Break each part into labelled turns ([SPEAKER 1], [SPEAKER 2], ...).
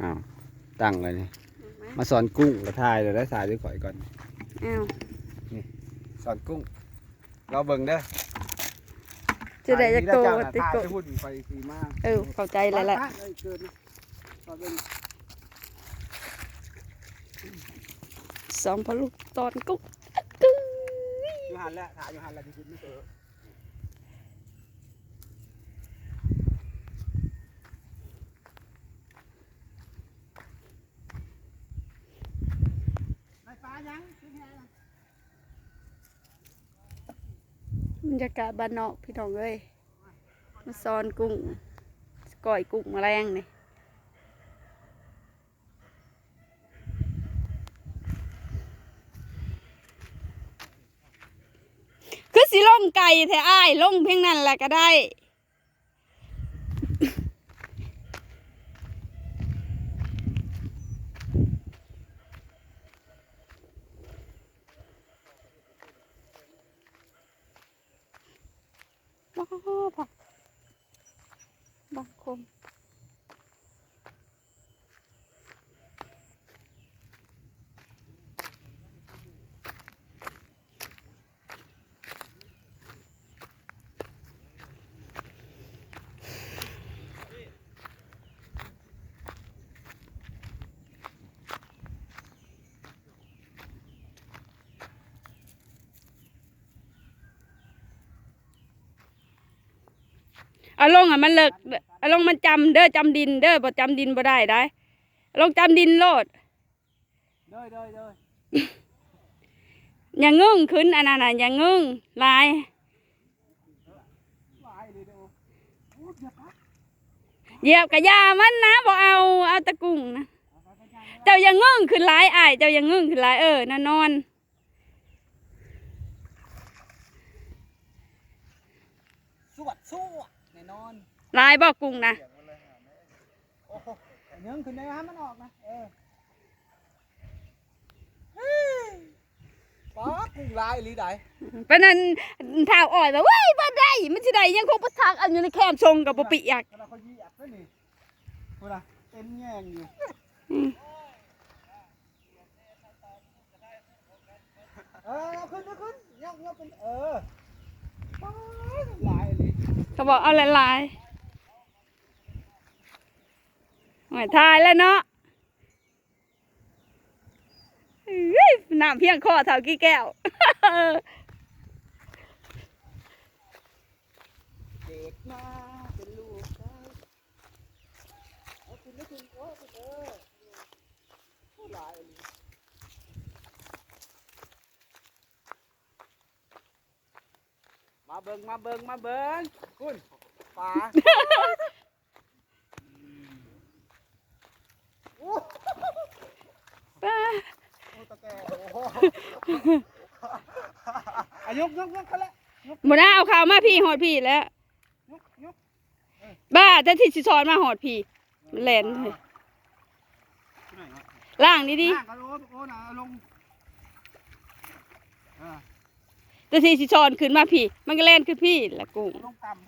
[SPEAKER 1] อ้าวตั้งเลยนี่มาสอนกุ้งกระทายเลยได้สายด้วยข่อยก่อน
[SPEAKER 2] อ้าว
[SPEAKER 1] นี่สอนกุ้งเราเบิ่งเด้อ
[SPEAKER 2] จะได้จะโตติโกเข้าใจแล้วแหละสองพอลูกตอนกุ้ง
[SPEAKER 1] อยู่หันแล้วถ่ายอยู่หันแล้วที่คุณไม่เจอ
[SPEAKER 2] บรรยากาศบ้านนอกพี่น้องเอ้ยมาซ้อนกุ้งก่อยกุ้งแมลงนี่คือสิล่มไก่แท้อ้ายล่มเพียงนั้นแหละก็ได้ผักบางคมเอาลงอ่ะมันเลิกเอาลงมันจำเด้อจำดินเด้อบ่จำดินบ่ได้ได้ลงจำดินโลดอย่างงึ้งขึ้นอันนั้นอย่างงึ้งลายเหยียบกระยามันนะบ่เอาตะกุ่งนะเจ้าอย่างงึ้งขึ้นลายอ้ายเจ้าอย่างงึ้งขึ้นลายน่ะนอนลายบ่กุ้งนะ
[SPEAKER 1] ยังขึ้นได้ให้มันออกนะป๊อกกุ้งลายหรือใด
[SPEAKER 2] เป็นนั้นเท้าอ่อยแบบว้ายบ้าได้มันสิได้ยังคงประทักอันอยู่ในแคมชงกับปปิอยาก
[SPEAKER 1] เขาเหยียบด้วยนี่พูดนะเต็มแง่งอยู่ขึ้นยกเป็นลายเลย
[SPEAKER 2] เขาบอกเอาลายหอยทายแล้วเนาะน้ำเพียงคอเท่ากี่แก้ว
[SPEAKER 1] เด็กมาเป็นลูกเอาคุณไม่คุณผู้หลายมาเบิ่งคุณปลายกเขาแล้ว
[SPEAKER 2] หมดแล้วเอาข่าวมาพี่หอดพี่แล้วบ้าแต่ที่ชิซอนมาหอดพี่มันแหลนเลยล่างนี่ดิแต่ที่ชิซอนขึ้นมาพี่มันก็แล่นขึ้นพี่ละกุ้ง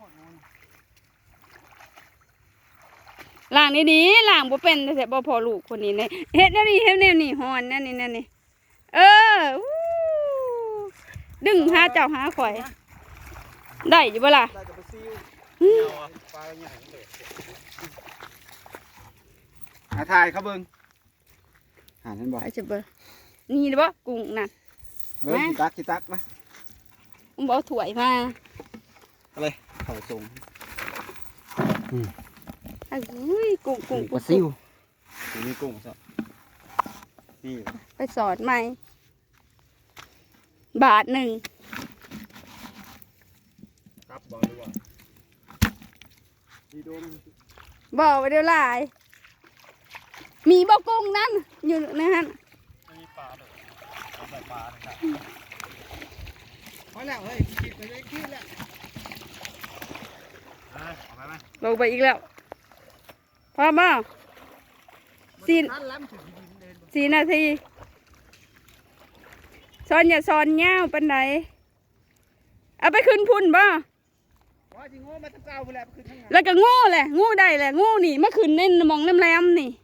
[SPEAKER 2] ล่างนี่ดิล่างบ่เป็นแต่บ่พอลูกคนนี้เนี่ยเฮ็ดนี่หอนนั่นนี่ดึงหาเจ้าหาข่อยได้อยู่บ่ล่ะ
[SPEAKER 1] ถ่ายเขาเบิ่งหาท่านบอก
[SPEAKER 2] ไอ้เจ็บเบิ่งนี่บ่กุ้งน่ะ
[SPEAKER 1] เบิ่งกี่ตักมา
[SPEAKER 2] บ่ถ่วยมา
[SPEAKER 1] อะไรเขาส่ง
[SPEAKER 2] กุ้ง
[SPEAKER 1] ปลาซิวนี่กุ้งซะนี่
[SPEAKER 2] ไปสอนใหม่บาทหนึ่ง
[SPEAKER 1] ครับบอกดูว่า
[SPEAKER 2] บอกไปเดี๋ยวลายมีบ่กุ้งนั่นอยู่นะฮะ
[SPEAKER 1] มีปลาด้วยเอาใส่ปลาเลยพอแล้วเฮ้ยคิดไปเลยคิดแล้ว
[SPEAKER 2] ลงไปอีกแล้วพอบ่4 นาทีซ้อนอย่าซ้อนเงาปันไหนเอาไปขึ้นพุ่นบ่แล้วก็งูแหละงูได้แหละงูนี่มาขึ้นในมองน้ำแรมนี่